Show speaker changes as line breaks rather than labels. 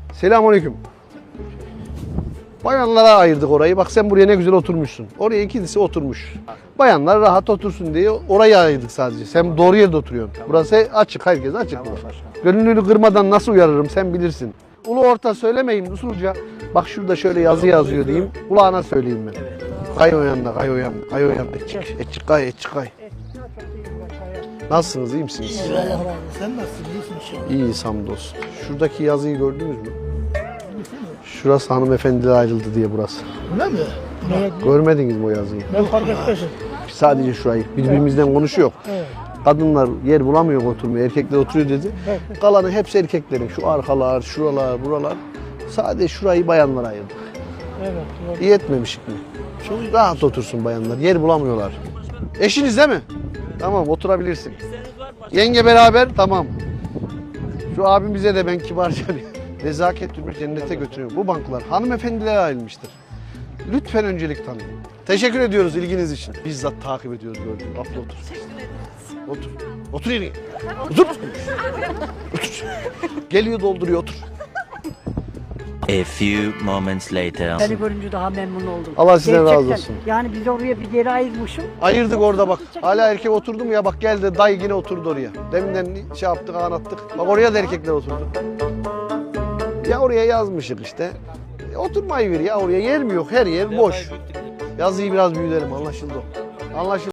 Selamünaleyküm. Bayanlara ayırdık orayı. Bak sen buraya ne güzel oturmuşsun. Oraya ikisi oturmuş. Bayanlar rahat otursun diye orayı ayırdık sadece. Sen doğru yerde oturuyorsun. Burası açık, herkes açık. Gönlünü kırmadan nasıl uyarırım sen bilirsin. Ulu orta söylemeyeyim usulca. Bak şurada şöyle yazı yazıyor diyeyim. Kulağına söyleyeyim ben. Kay o yanda, kay o yanda, kay o yanda. Etçik kay, etçik kay. Nasılsınız, iyi misiniz?
İyi Allah razı olsun. Sen nasılsın? İyisin inşallah.
İyiyiz hamdolsun. Şuradaki yazıyı gördünüz mü? Şurası hanımefendiler ayrıldı diye burası.
Öyle mi?
Görmediniz mi o yazıyı?
Ben fark etmedim.
Sadece şurayı. Birbirimizden konuşuyor.
Evet.
Kadınlar yer bulamıyor oturmaya, erkekler oturuyor dedi.
Evet.
Kalanı hepsi erkeklerin. Şu arkalar, şuralar, buralar. Sadece şurayı bayanlara ayırdık.
Evet. Doğru.
İyi etmemişik mi? Çok rahat otursun bayanlar. Yer bulamıyorlar. Eşiniz değil mi? Tamam, oturabilirsin. Yenge beraber, tamam. Şu abimize de ben kibarca bir nezaket türbü cennete götürüyorum. Bu banklar hanımefendilere ayrılmıştır. Lütfen öncelik tanıyın. Teşekkür ediyoruz ilginiz için. Bizzat takip ediyoruz gördüğünüz. Afla otur. Otur. Otur yine. Otur. Otur. Geliyor dolduruyor otur.
A few moments later.
Seni görünce daha memnun oldum.
Allah sizden razı
Gerçekten.
olsun.
Yani biz oraya bir yere ayırmışım.
Ayırdık orada bak. Hala erkek oturdu mu ya bak geldi dayı yine oturdu oraya. Deminden şey yaptık anlattık. Bak oraya da erkekler oturdu. Ya oraya yazmışık işte. Oturmayı ver ya oraya yer mi yok her yer boş. Yazıyı biraz büyütelim anlaşıldı o. Anlaşıldı.